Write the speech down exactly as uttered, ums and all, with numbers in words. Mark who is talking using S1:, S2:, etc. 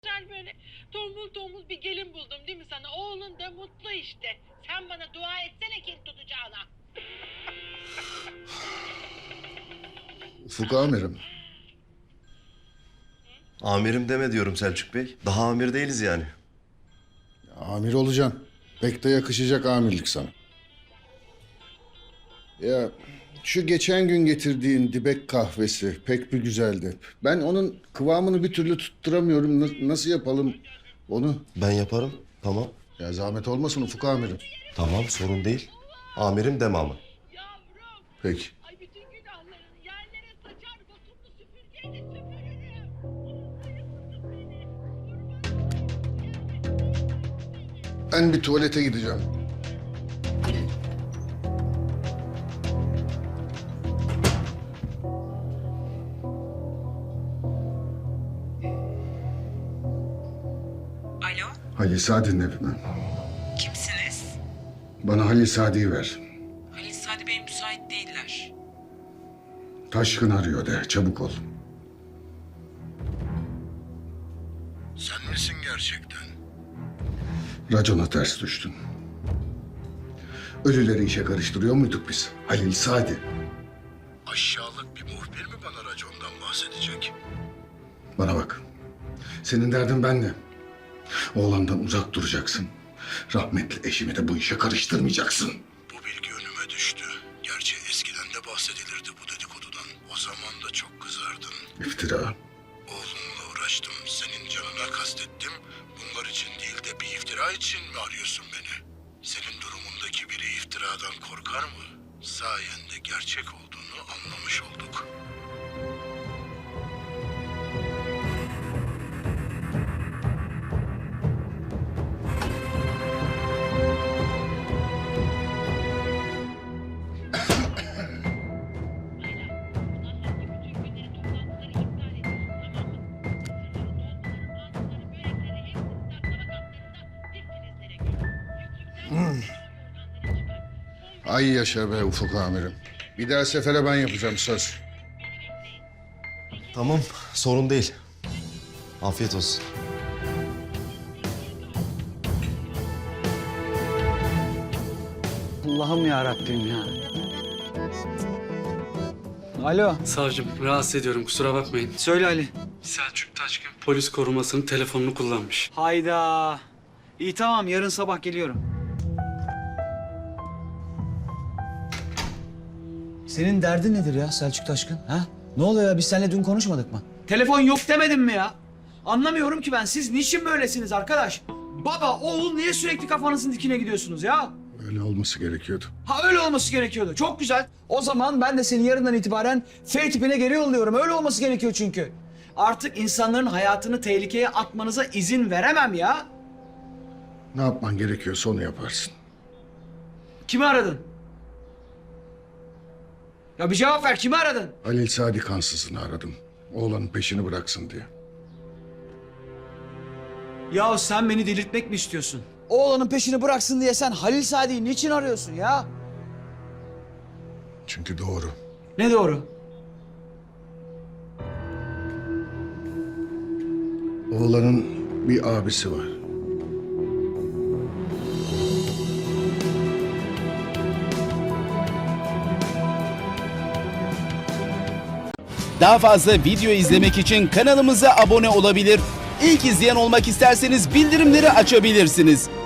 S1: Güzel böyle tombul tombul bir gelin buldum değil mi sana? Oğlun da mutlu işte. Sen bana dua etsene kin tutacağına.
S2: Ufuk amirim.
S3: Amirim deme diyorum Selçuk Bey. Daha amir değiliz yani.
S2: Amir olacaksın. Pek de yakışacak amirlik sana. Ya şu geçen gün getirdiğin dibek kahvesi pek bir güzeldi. Ben onun kıvamını bir türlü tutturamıyorum. Na- nasıl yapalım onu?
S3: Ben yaparım. Tamam.
S2: Ya zahmet olmasın Ufuk amirim.
S3: Tamam, sorun değil. Amirim deme ama.
S1: Yavrum.
S2: Peki.
S1: Ay bütün günahlarını yerlere saçar botumlu süpürgeyle süpürürüm.
S2: Ben bir tuvalete gideceğim.
S4: Alo,
S2: Halil Sadi'nin evine.
S4: kimsiniz?
S2: Bana Halil Sadi'yi ver.
S4: Halil Sadi Bey müsait değiller.
S2: Taşkın arıyor de. Çabuk ol.
S5: Sen misin gerçekten?
S2: Racona ters düştün. Ölüleri işe karıştırıyor muyduk biz? Halil Sadi.
S5: Aşağılık bir muhbir mi bana racondan bahsedecek?
S2: Bana bak. Senin derdin benle. Oğlandan uzak duracaksın. Rahmetli eşimi de bu işe karıştırmayacaksın.
S5: Bu bilgi önüme düştü. Gerçi eskiden de bahsedilirdi bu dedikodudan. O zaman da çok kızardın.
S2: İftira.
S5: Oğlumla uğraştım. Senin canına kastettim. Bunlar için değil de bir iftira için mi arıyorsun beni? Senin durumundaki biri iftiradan korkar mı? Sayende gerçek olduğunu anlamış olduk.
S2: Ay yaşa be Ufuk amirim. Bir daha sefere ben yapacağım söz.
S3: Tamam, sorun değil. Afiyet olsun.
S6: Allah'ım ya Rabbim ya. Alo,
S7: Savcım, rahatsız ediyorum, kusura bakmayın.
S6: söyle Ali.
S7: Selçuk Taşkın polis korumasının telefonunu kullanmış.
S6: Hayda. İyi tamam, yarın sabah geliyorum. Senin derdin nedir ya Selçuk Taşkın? Ha? Ne oluyor ya? Biz seninle dün konuşmadık mı? Telefon yok demedim mi ya? Anlamıyorum ki ben. Siz niçin böylesiniz arkadaş? Baba, oğul niye sürekli kafanızın dikine gidiyorsunuz ya?
S2: Öyle olması gerekiyordu.
S6: Ha öyle olması gerekiyordu. Çok güzel. O zaman ben de seni yarından itibaren F tipine geri yolluyorum. Öyle olması gerekiyor çünkü. Artık insanların hayatını tehlikeye atmanıza izin veremem ya.
S2: Ne yapman gerekiyorsa onu yaparsın.
S6: Kimi aradın? Ya bir cevap ver. Kimi aradın?
S2: Halil Sadi kansızını aradım. Oğlanın peşini bıraksın diye.
S6: Ya sen beni delirtmek mi istiyorsun? Oğlanın peşini bıraksın diye sen Halil Sadi'yi niçin arıyorsun ya?
S2: Çünkü doğru.
S6: Ne doğru?
S2: Oğlanın bir abisi var.
S8: Daha fazla video izlemek için kanalımıza abone olabilir. İlk izleyen olmak isterseniz bildirimleri açabilirsiniz.